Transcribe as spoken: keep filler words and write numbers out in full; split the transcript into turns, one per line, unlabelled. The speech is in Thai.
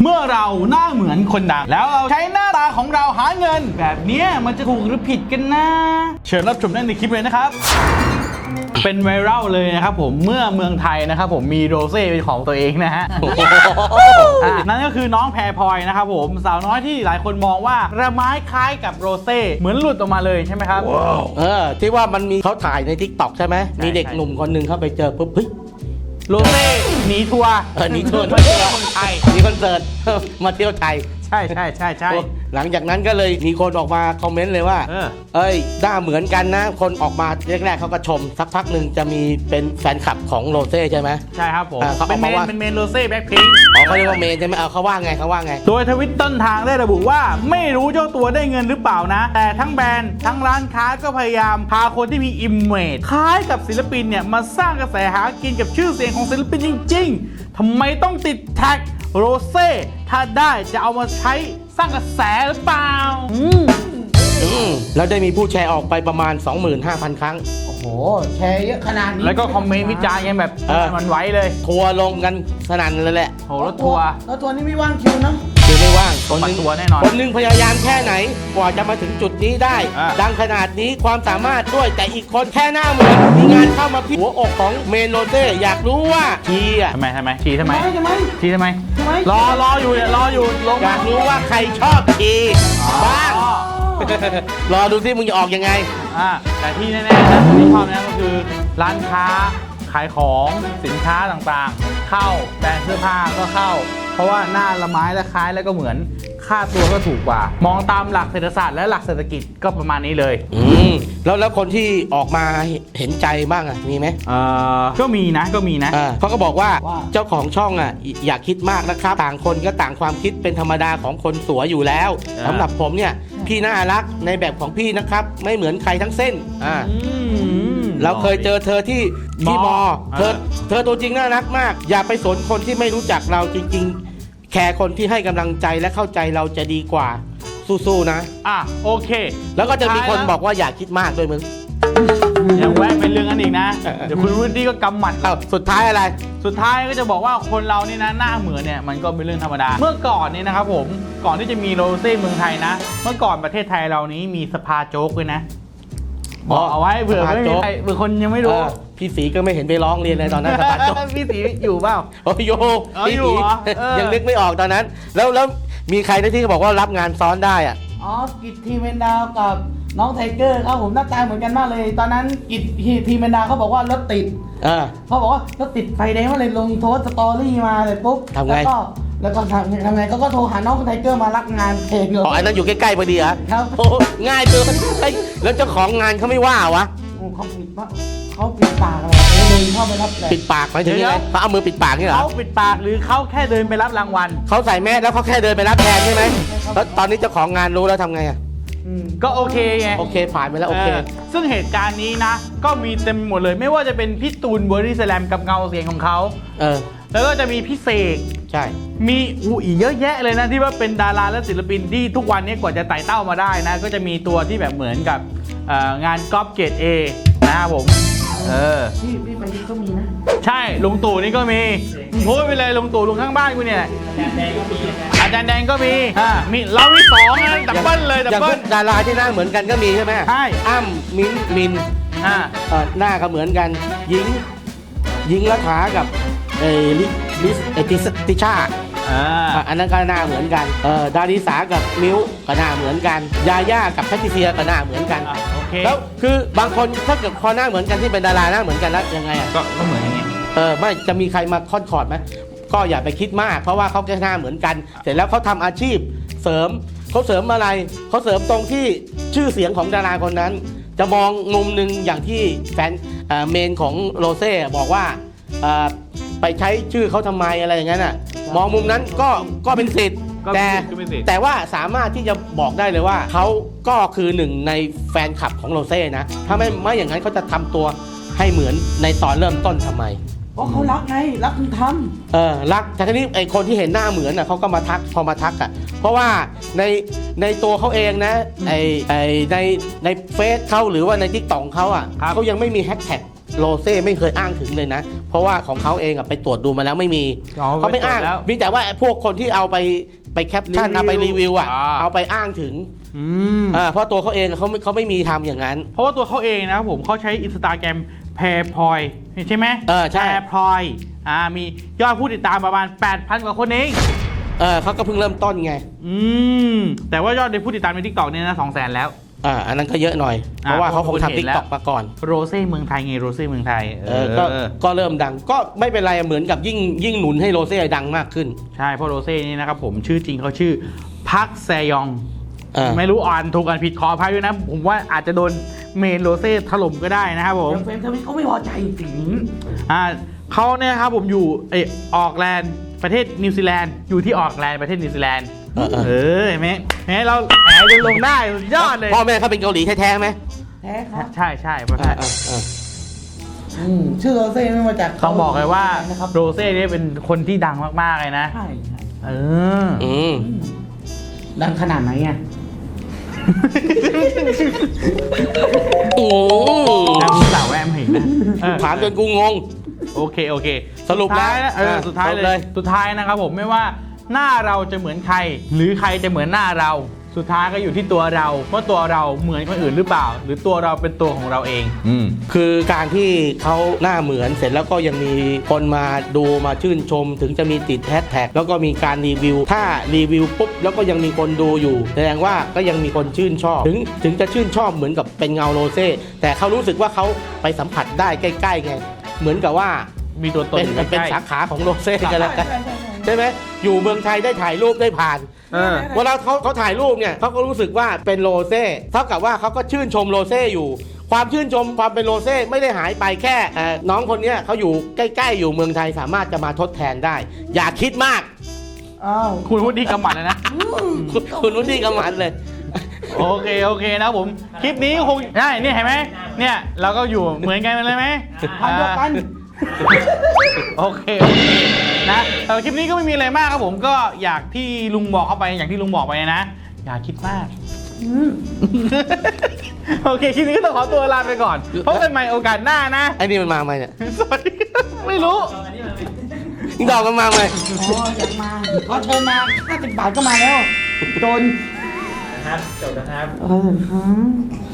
มื่อเราหน้าเหมือนคนดังแล้วเราใช้หน้าตาของเราหาเงินแบบนี้มันจะถูกหรือผิดกันนะเชิญรับชมได้ในคลิปเลยนะครับเป็นไวรัลเลยนะครับผมเมื่อเมืองไทยนะครับผมมีโรเซ่เป็นของตัวเองนะฮะ นั่นก็คือน้องแพรพลอยนะครับผมสาวน้อยที่หลายคนมองว่าระไม้คล้ายกับโรเซ่เหมือนหลุดออกมาเลยใช่ไหมครับ
wow. เออที่ว่ามันมีเขาถ่ายใน ทิกต็อก ใช่ไหมมีเด็กหนุ่มคนหนึ่งเข้าไปเจอปุ๊บเฮ้ย
โรเซ่หนีทัวร์
เออหนีทัวร์
มาเที่ยวเมืองไทย
มีคอนเสิร์ต มาเที่ยวไทย
ใช่ใช่ใช่ใช่
หลังจากนั้นก็เลยมีคนออกมาคอมเมนต์เลยว่า
เออ
เอ้ยหน้าเหมือนกันนะคนออกมาแรกๆเขาก็ชมสักพักหนึ่งจะมีเป็นแฟนคลับของโรเซ่ใช่ไหม
ใช่ครับผม
อ่าเขา
เป็นเม
บอก
น
ว่า
เป็นเมนโรเซ่แบ็คพิงค์
อ๋อเขาเรียกว่าเมนใช่ไหมเอาเขาว่าไงเขาว่าไง
โดยทวิตต้นทางได้ระบุว่าไม่รู้เจ้าตัวได้เงินหรือเปล่านะแต่ทั้งแบรนด์ทั้งร้านค้าก็พยายามพาคนที่มีอิมเมจคล้ายกับศิลปินเนี่ยมาสร้างกระแสหากินกับชื่อเสียงของศิลปินจริงๆทำไมต้องติดแท็กโรเซ่ถ้าได้จะเอามาใช้สร้างกระแสหรือเปล่าอืม
อืมแล้วได้มีผู้แชร์ออกไปประมาณ สองหมื่นห้าพัน ครั้ง
โอ้โหแชร์เยอะขนาดนี้
แล้วก็คอมเมนต์วิจารณ์กันแบบ
เออ
มันไหวเลย
ทัวร์ลงกันสนั่นเลยแหละ
โหรถทัวร์
แล้วทัวร์นี่ไม่ว่างคิวนะ
คือไม่ว่างคนหนึง
ปัดตัวแน่นอน
คนหนึงพยายามแค่ไหนกว่าจะมาถึงจุดนี้ได้
อ่า
ดังขนาดนี้ความสามารถด้วยแต่อีกคนแค่หน้าเหมือนมีงานเข้ามาพิหัวอกของเมนโรเซ่อยากรู้ว่าทีอ่ะ
ทำไมทำไมทีทำไม
ทำไม
ทีทำไม
ทำไม
รอรออยู่เนี่ยรออยู่ลง
อยากรู้ว่าใครชอบทีบ้าง
อ๋อ
รอดูสิมึงจะออกยังไง
อ่าแต่ที่แน่ๆนะที่ชอบนะก็คือร้านค้าขายของสินค้าต่างๆ เข้าแบรนด์เสื้อผ้าก็เข้า เพราะว่าหน้าละไม้ละคล้ายแล้วก็เหมือนค่าตัวก็ถูกกว่า มองตามหลักเศรษฐศาสตร์และหลักเศรษฐกิจก็ประมาณนี้เลย
อืมแล้วแล้วคนที่ออกมาเห็นใจบ้างอ่ะมีไหม
เอ่อก็มีนะก็มีนะ
อ่าเขาก็บอกว่าเจ้าของช่องอ่ะอย่าคิดมากนะครับต่างคนก็ต่างความคิดเป็นธรรมดาของคนสวยอยู่แล้ว
อ่า
สำหรับผมเนี่ยพี่น่ารักในแบบของพี่นะครับไม่เหมือนใครทั้งเส้นอ่า
อืม
เราเคยเจอเธอที่ที่ม
ม
อ
อ
เธอ
เออ
เธอตัวจริงน่ารักมาก อย่าไปสนคนที่ไม่รู้จักเราจริง ๆ แค่คนที่ให้กำลังใจและเข้าใจเราจะดีกว่าสู้ๆนะ
อ่ะโอเค
แล้วก็จะมีคน
สุดท้ายแล้ว
บอกว่าอย่าคิดมากด้วยมึง
ยังแวะเป็นเรื่องนั้นอีกนะ เดี๋ยวคุณวุฒิก็กำหมัด
เอ้าสุดท้ายอะไร
สุดท้ายก็จะบอกว่าคนเรานี่นะหน้าเหมือนเนี่ยมันก็เป็นเรื่องธรรมดา เมื่อก่อนเนี่ยนะครับผมก่อนที่จะมีโรเซ่เมืองไทยนะ เมื่อก่อนประเทศไทยเรานี้มีสภาโจ๊กด้วยนะ
อ๋
บ
อ
อกเอาไว้เผื่อ
สภา
ไม่
โจ๊
มี
ก
ใครเผื่อคนยังไม่รู้
เออพี่สีก็ไม่เห็นไปร้องเรียนเลยตอนนั้นสะบัดจบ
พี่สีอยู่เปล่า
โอ้ยโย
อ๋อ
พี่
อยู่
สี
เหรอเออ
ยังนึกไม่ออกตอนนั้น แล้วแล้วมีใครที่เขาบอกว่ารับงานซ้อนได้อ่ะ
อ๋อกิจทีเมนดาวกับน้องไทเกอร์ครับผมหน้าตาเหมือนกันมากเลย ตอนนั้นกิจทีเมนดาวเขาบอกว่ารถติด
เออ
เขาบอกว่ารถติดไฟแดงมาเลยลงโทสสตอรี่มาเลยปุ๊บ
ทำไง
แล้วก็แล้วก็ทำทำไงเขาก็โทรหาน้องไทเกอร์มารับงานเพลงเลย
อ๋ออันนั้นอยู่ใกล้ๆพอดีเหรอ
ครับ
โอ้ง่ายเกินเฮ้ยแล้วเจ้าของงานเขาไม่ว่าวะ
โอ้เขาปิดปะเขาปิดปากอะไรเขาเดินเข้าไปรับเลย
ปิดปากหมายถึงยังไงเขาเอามือปิดปากนี่เหรอ
เขาปิดปากหรือเขาแค่เดินไปรับรางวัล
เขาใส่แมสแล้วเขาแค่เดินไปรับแทนใช่ไหมแล้วตอนนี้เจ้าของงานรู้แล้วทำไงอ่ะ
อืม
ก็โอเคไง
โอเคผ่านไปแล้วโอเค
เออซึ่งเหตุการณ์นี้นะ ก็มีเต็มหมดเลย ไม่ว่าจะเป็นพี่ตูนบอดี้สแลมกับเงาเสียงของเขา
เออ
แล้วก็จะมีพี่เสก
ใช่
มีอูอีกเยอะแยะเลยนะที่ว่าเป็นดาราและศิลปินที่ทุกวันนี้กว่าจะไต่เต้ามาได้นะ ก็จะมีตัวที่แบบเหมือนกับเอ่องานก๊อปเกรดเอนะครับผมเออ
พี่พี่ไปที่ก็มีนะ
ใช่ลุงตู่นี่ก็มีพูดไปเลยลุงตู่ลุงข้างบ้านกูเนี่ยอาจารย์แดงก็มีอ่ามีเรามีสองนะดับเบิลเลยดับ
อย่าง
เบิ
พว
ล
กดาราที่หน้าเหมือนกันก็มีใช่ไหม
ใช่
อ้ำมิ้นท์มิน
อ่า
เอ่อหน้าก็เหมือนกันหญิงหญิงรัฐากับเอลิลิสเอติสติชา
อ่า
อ่ะอันนั้นก็หน้าเหมือนกันเออดาริสากับมิวก็หน้าเหมือนกันยาย่ากับแพทริเซียก็หน้าเหมือนกัน
อ่ะโอเค
แล้วคือบางคนถ้าเกิดพอหน้าเหมือนกันที่เป็นดาราหน้าเหมือนกันแล้วยังไงอ่ะ
ก็ก็เหมือนอย่างงี้
เออไม่จะมีใครมาคอนคอร์ดไหมก็อย่าไปคิดมาก เพราะว่าเขาแค่หน้าเหมือนกัน เสร็จแล้วเขาทำอาชีพเสริมเขาเสริมอะไรเขาเสริมตรงที่ชื่อเสียงของดาราคนนั้น จะมองมุมหนึ่งอย่างที่แฟนเอ่อเมนของโรเซ่บอกว่าเอ่อไปใช้ชื่อเขาทำไมอะไรอย่างนั้นอ่ะมองมุมนั้นก็ก็เป็นสิทธิ์
ก็
แต่
ก็ไม่สิทธิ์
แต่ว่าสามารถที่จะบอกได้เลยว่าเขาก็คือหนึ่งในแฟนคลับของโรเซ่นะถ้าไม่ไม่อย่างนั้นเขาจะทำตัวให้เหมือนในตอนเริ่มต้นทำไม
เพราะเขารักไงรักคุณท
เออรักแต่ทีนี้ไอคนที่เห็นหน้าเหมือนอ่ะเขาก็มาทักพอมาทักอ่ะเพราะว่าในในตัวเขาเองนะไอไอในในเฟซเขาหรือว่าในทิกตอกเขาอ่ะ
ครับ
เขายังไม่มีแฮชแท็กโรเซ่ไม่เคยอ้างถึงเลยนะ เพราะว่าของเขาเองอะไปตรวจดูมาแล้วไม่มี
อ๋อ
เขาไม่อ้าง
ไปตรวจแล้ว
มีแต่ว่าไอ้พวกคนที่เอาไปไปแคปชั่น
รีวิว
เอาไปรีวิวอะ
อ่า
เอาไปอ้างถึง
อืม
อ่าเพราะตัวเขาเองอะเขาไม่เขาไม่มีทำอย่างนั้น
เพราะว่าตัวเขาเองนะครับผมเขาใช้อินสตาแกรมแพรพลอยใช่ไหม
เออใช่
แพรพลอยอ่ามียอดผู้ติดตามประมาณ แปดพัน กว่าคนเอง
เออเขาก็เพิ่งเริ่มต้นไง
อืมแต่ว่ายอดในผู้ติดตามในทิกตอกเนี่ยนะสองแสนแล้ว
อ่าอันนั้นก็เยอะหน่อย เพราะว่าเขาคง
คนเห็
ทำทิ
น
ก
แล้ว
ตอกมาก่อน
โรเซ่เมืองไทยไงโรเซ่เมืองไทย
เออก็ก็เริ่มดังก็ไม่เป็นไรเหมือนกับยิ่งยิ่งหนุนให้โรเซ่ดังมากขึ้น
ใช่เพราะโรเซ่นี่นะครับผมชื่อจริงเขาชื่อพักแซยอง
เออ
ไม่รู้อ่านถูกอ่านผิดขออภัยด้วยนะ ผมว่าอาจจะโดนเมนโรเซ่ถล่มก็ได้นะครับผม
เฟรมทวิตเขาไม่พอใจจริง
อ่าเขาเนี่ยครับผมอยู่เออออกแลนด์ประเทศนิวซีแลนด์อยู่ที่ออกแลนด์ประเทศนิวซีแลนด์
เออเออ
เออเห็นไหมเห็นไหมเราแหมจะลงได้สุดยอดเลย
พ่อแม่เขาเป็นเกาหลีแท้ๆไหม
แท้ครับ
ใช่ใช่เพราะ
อ่าอ่าอ่า
อืมชื่อโรเซ่ไม่มาจาก
ต้องบอกเลยว่า
นะครับ
โรเซ่เนี่ยเป็นคนที่ดังมากๆเลยนะ
ใช่ใช่
เออ
อืม
อืมดังขนาดไหนอ่ะ
โอ้
ดังสาวแวมเห็นนะเออ
ถามจนกูงง
โอเคโอเค
สรุปแล้ว
สุดท้ายนะเออ
อ่ะ
สุดท้าย
จบ
เล
เลย ย
สุดท้ายนะครับผมไม่ว่าหน้าเราจะเหมือนใคร หรือใครจะเหมือนหน้าเรา สุดท้ายก็อยู่ที่ตัวเราว่าตัวเราเหมือนคนอื่นหรือเปล่า หรือตัวเราเป็นตัวของเราเอง อืม
คือการที่เขาหน้าเหมือนเสร็จแล้วก็ยังมีคนมาดูมาชื่นชม ถึงจะมีติดแฮชแท็กแล้วก็มีการรีวิว ถ้ารีวิวปุ๊บแล้วก็ยังมีคนดูอยู่แสดงว่าก็ยังมีคนชื่นชอบ ถึงถึงจะชื่นชอบเหมือนกับเป็นเงาโรเซ่แต่เขารู้สึกว่าเขาไปสัมผัสได้ใกล้ๆไงเหมือนกับว่า
มีตัวตน
เป็น
อยู่
เป็น
ใกล้
สาขาของโรเซ่กันแล้วกัน
ใช่ใช่ใช่
ใช่ไหมอยู่เมืองไทยได้ถ่ายรูปได้ผ่าน
เออ
เวลาเขาเขาถ่ายรูปเนี่ยเขาก็รู้สึกว่าเป็นโรเซ่เท่ากับว่าเขาก็ชื่นชมโรเซ่อยู่ ความชื่นชมความเป็นโรเซ่ไม่ได้หายไปแค่เอ่อน้องคนเนี้ยเขาอยู่ใกล้ๆอยู่เมืองไทยสามารถจะมาทดแทนได้ อย่าคิดมาก
อ้าว
คุณพูดดีกำหมัดเลยนะ
คุณคุณนุ่นนี่กำมันเลย
โอเคโอเคนะผม คลิปนี้คงได้นี่เห็นไหมเนี่ยเราก็อยู่เหมือนกันเลยไหม
พันเดียวกัน
โอเคโอเคนะแต่คลิปนี้ก็ไม่มีอะไรมากครับผมก็อยากที่ลุงบอกเข้าไปอย่างที่ลุงบอกไปนะอย่าคิดมาก
อืม
โอเคคลิปนี้ก็ต้องขอตัวลาไปก่อนพบกันใหม่โอกาสหน้านะ
ไอ้นี่มันมาไหมเนี่ย
สวัสดีไม่รู้
นี่ดอกมันมาไหม
อ๋ออยากมาขอเชิญมาห้าสิบบาทก็มาแล้ว จน
นะครับจบนะครับ
เออครับ